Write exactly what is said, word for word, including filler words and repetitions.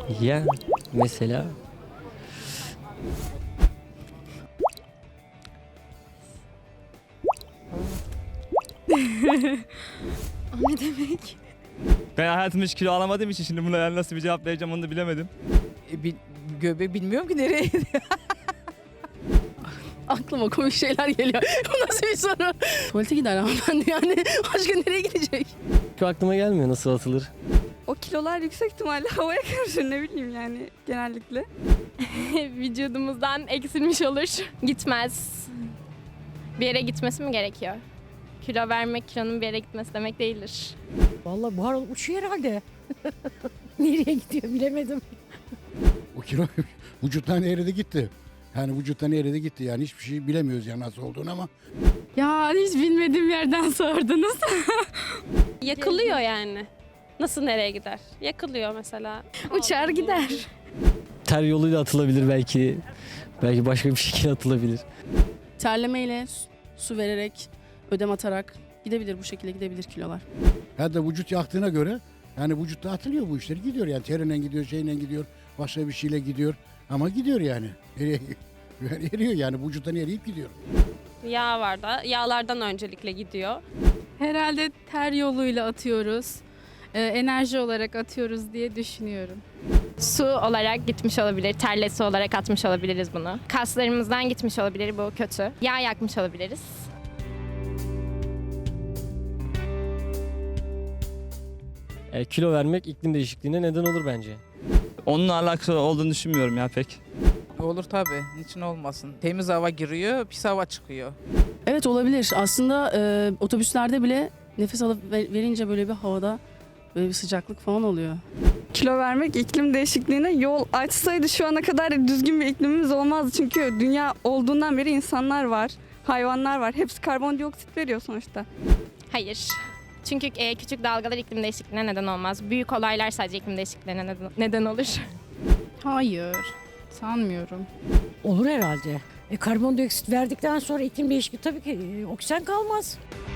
Ya mesela O ne demek? Ben hayatımda hiç kilo alamadığım için şimdi buna yani nasıl bir cevap vereceğim onu da bilemedim. E, bil, göbeği bilmiyorum ki nereye gidiyor. Aklıma komik şeyler geliyor. Bu nasıl bir soru? Tuvalete gider hanımefendi yani. Başka nereye gidecek? şu aklıma gelmiyor nasıl atılır. O kilolar yüksek ihtimalle havaya karışır, ne bileyim yani genellikle. Vücudumuzdan eksilmiş olur. Gitmez. Bir yere gitmesi mi gerekiyor? Kilo vermek kilonun bir yere gitmesi demek değildir. Vallahi buhar olup uçuyor herhalde. Nereye gidiyor bilemedim. O kilo vücuttan eridi gitti. Yani vücuttan eridi gitti. Yani hiçbir şey bilemiyoruz ya nasıl olduğunu ama. Ya hiç bilmediğim yerden sordunuz. Yakılıyor yani. Nasıl nereye gider? Yakılıyor mesela. Uçar gider. Ter yoluyla atılabilir belki. Belki başka bir şekilde atılabilir. Terlemeyle, su- su vererek, ödem atarak gidebilir, bu şekilde gidebilir kilolar. Ya da vücut yaktığına göre yani vücutta atılıyor bu işler. Gidiyor yani terine gidiyor, şeyle gidiyor, başka bir şeyle gidiyor. Ama gidiyor yani. Eriyor, eriyor yani vücuttan eriyip gidiyor. Yağ var da. Yağlardan öncelikle gidiyor. Herhalde ter yoluyla atıyoruz. Ee, enerji olarak atıyoruz diye düşünüyorum. Su olarak gitmiş olabilir, terlesi olarak atmış olabiliriz bunu. Kaslarımızdan gitmiş olabilir, bu kötü. Yağ yakmış olabiliriz. E, kilo vermek iklim değişikliğine neden olur bence. Onunla alakalı olduğunu düşünmüyorum ya pek. Olur tabii. Niçin olmasın? Temiz hava giriyor, pis hava çıkıyor. Evet, olabilir. Aslında e, otobüslerde bile nefes alıp ver- verince böyle bir havada böyle bir sıcaklık falan oluyor. Kilo vermek iklim değişikliğine yol açsaydı şu ana kadar düzgün bir iklimimiz olmazdı. Çünkü dünya olduğundan beri insanlar var, hayvanlar var. Hepsi karbondioksit veriyor sonuçta. Hayır. Çünkü e, küçük dalgalar iklim değişikliğine neden olmaz. Büyük olaylar sadece iklim değişikliğine neden, neden olur. Hayır, sanmıyorum. Olur herhalde. E, karbondioksit verdikten sonra iklim değişikliği tabii ki e, oksijen kalmaz.